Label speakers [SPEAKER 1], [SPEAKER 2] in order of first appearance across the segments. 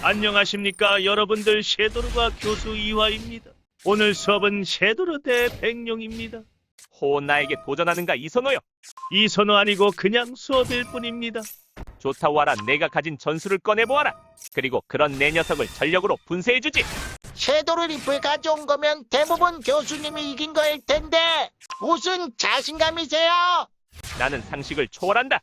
[SPEAKER 1] 안녕하십니까 여러분들. 섀도르가 교수 이화입니다. 오늘 수업은 섀도르 대 백룡입니다.
[SPEAKER 2] 호 나에게 도전하는가 이선호여.
[SPEAKER 1] 이선호 아니고 그냥 수업일 뿐입니다.
[SPEAKER 2] 좋다 와라. 내가 가진 전술을 꺼내보아라. 그리고 그런 내 녀석을 전력으로 분쇄해주지.
[SPEAKER 3] 섀도르 리프에 가져온 거면 대부분 교수님이 이긴 거일 텐데 무슨 자신감이세요?
[SPEAKER 2] 나는 상식을 초월한다.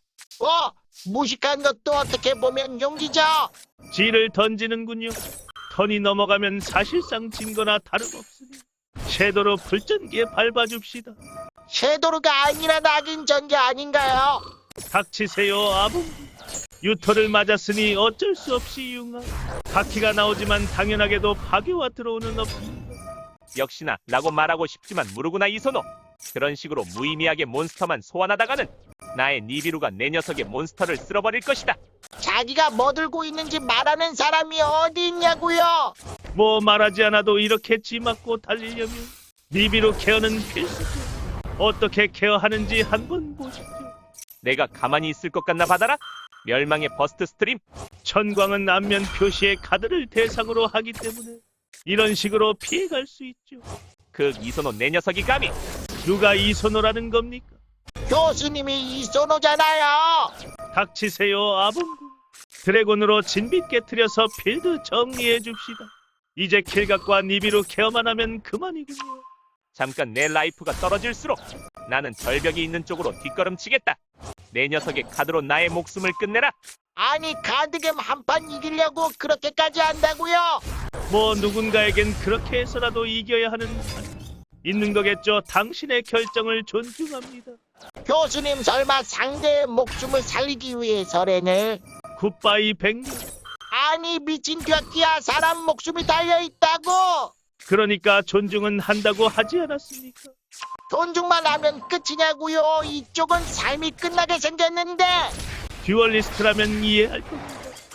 [SPEAKER 3] 무식한 것도 어떻게 보면 용기죠.
[SPEAKER 1] 지를 던지는군요. 턴이 넘어가면 사실상 진 거나 다름없으니 섀도르 불전기에 밟아줍시다.
[SPEAKER 3] 섀도르가 아니라 낙인 전개 아닌가요?
[SPEAKER 1] 닥치세요 아봉기. 유토를 맞았으니 어쩔 수 없이 융화. 바퀴가 나오지만 당연하게도 파괴와 들어오는 없습니다.
[SPEAKER 2] 역시나 라고 말하고 싶지만 모르구나 이선호. 그런 식으로 무의미하게 몬스터만 소환하다가는 나의 니비루가 내 녀석의 몬스터를 쓸어버릴 것이다.
[SPEAKER 3] 자기가 뭐 들고 있는지 말하는 사람이 어디 있냐고요?
[SPEAKER 1] 뭐 말하지 않아도 이렇게 지 맞고 달리려면 니비루 케어는 필수죠. 어떻게 케어하는지 한번 보시죠.
[SPEAKER 2] 내가 가만히 있을 것 같나 받아라. 멸망의 버스트 스트림.
[SPEAKER 1] 천광은 앞면 표시에 카드를 대상으로 하기 때문에 이런 식으로 피해갈 수 있죠.
[SPEAKER 2] 그 이선호 내 녀석이 감히.
[SPEAKER 1] 누가 이선호라는 겁니까?
[SPEAKER 3] 교수님이 이선호잖아요.
[SPEAKER 1] 닥치세요 아봉구. 드래곤으로 진빛 깨트려서 필드 정리해 줍시다. 이제 킬각과 니비루 케어만 하면 그만이군요.
[SPEAKER 2] 잠깐 내 라이프가 떨어질수록 나는 절벽이 있는 쪽으로 뒷걸음치겠다. 내 녀석의 카드로 나의 목숨을 끝내라.
[SPEAKER 3] 아니 카드겜 한 판 이기려고 그렇게까지 한다고요?
[SPEAKER 1] 뭐 누군가에겐 그렇게 해서라도 이겨야 하는 판 있는 거겠죠. 당신의 결정을 존중합니다.
[SPEAKER 3] 교수님 설마 상대의 목숨을 살리기 위해서래는?
[SPEAKER 1] 굿바이 백룡.
[SPEAKER 3] 아니 미친 격기야, 사람 목숨이 달려있다고.
[SPEAKER 1] 그러니까 존중은 한다고 하지 않았습니까?
[SPEAKER 3] 존중만 하면 끝이냐고요? 이쪽은 삶이 끝나게 생겼는데.
[SPEAKER 1] 듀얼리스트라면 이해할 겁니다.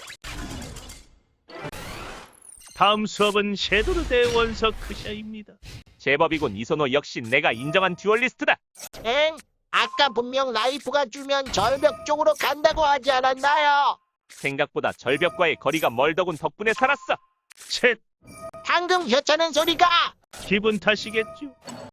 [SPEAKER 1] 다음 수업은 섀도르 대 원석 크샤입니다.
[SPEAKER 2] 제법이군 이선호. 역시 내가 인정한 듀얼리스트다.
[SPEAKER 3] 엥? 아까 분명 라이프가 주면 절벽 쪽으로 간다고 하지 않았나요?
[SPEAKER 2] 생각보다 절벽과의 거리가 멀더군. 덕분에 살았어.
[SPEAKER 1] 쳇!
[SPEAKER 3] 방금 혀차는 소리가.
[SPEAKER 1] 기분 탓이겠죠.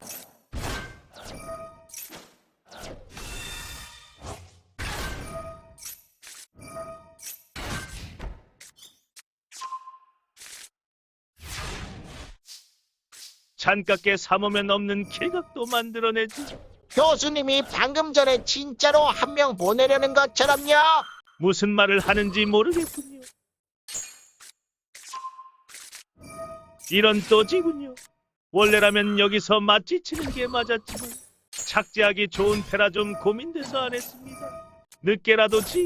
[SPEAKER 1] 잔깎게 삼으면 없는 킬각도 만들어내지.
[SPEAKER 3] 교수님이 방금 전에 진짜로 한 명 보내려는 것처럼요.
[SPEAKER 1] 무슨 말을 하는지 모르겠군요. 이런 또지군요. 원래라면 여기서 맞지치는 게 맞았지만 착지하기 좋은 패라 좀 고민돼서 안 했습니다. 늦게라도 지.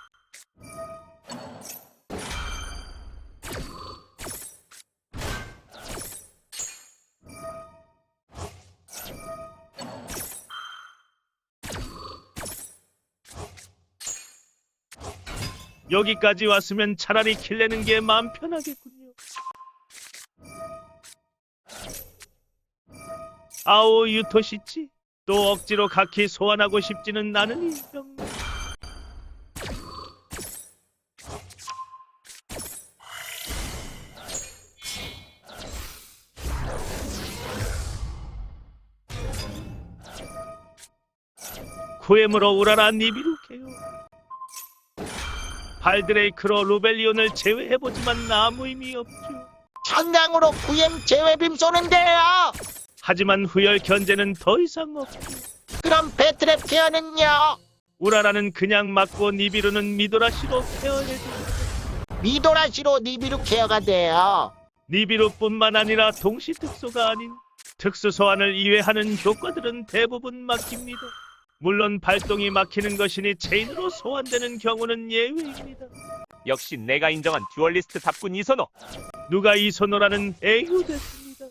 [SPEAKER 1] 여기까지 왔으면 차라리 킬 내는 게 마음 편하겠군요. 아오 유토시치. 또 억지로 가키 소환하고 싶지는 않으니 병. 구엠으로 우라라 니비루 케요. 발드레이크로 루벨리온을 제외해보지만 아무 의미 없죠.
[SPEAKER 3] 천강으로 구엠 제외빔 쏘는데요.
[SPEAKER 1] 하지만 후열 견제는 더 이상 없죠.
[SPEAKER 3] 그럼 배트랩 케어는요?
[SPEAKER 1] 우라라는 그냥 맞고 니비루는 미도라시로 케어해줘.
[SPEAKER 3] 미도라시로 니비루 케어가 돼요.
[SPEAKER 1] 니비루뿐만 아니라 동시 특소가 아닌 특수 소환을 이외하는 효과들은 대부분 막힙니다. 물론 발동이 막히는 것이니 체인으로 소환되는 경우는 예외입니다.
[SPEAKER 2] 역시 내가 인정한 듀얼리스트답군 이선호.
[SPEAKER 1] 누가 이선호라는 애유됐습니다.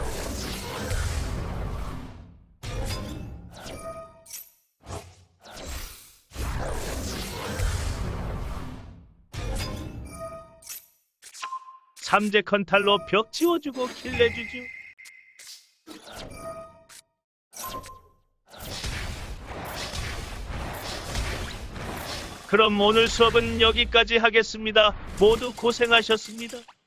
[SPEAKER 1] 삼재 컨탈로 벽 지워주고 킬 내주죠. 그럼 오늘 수업은 여기까지 하겠습니다. 모두 고생하셨습니다.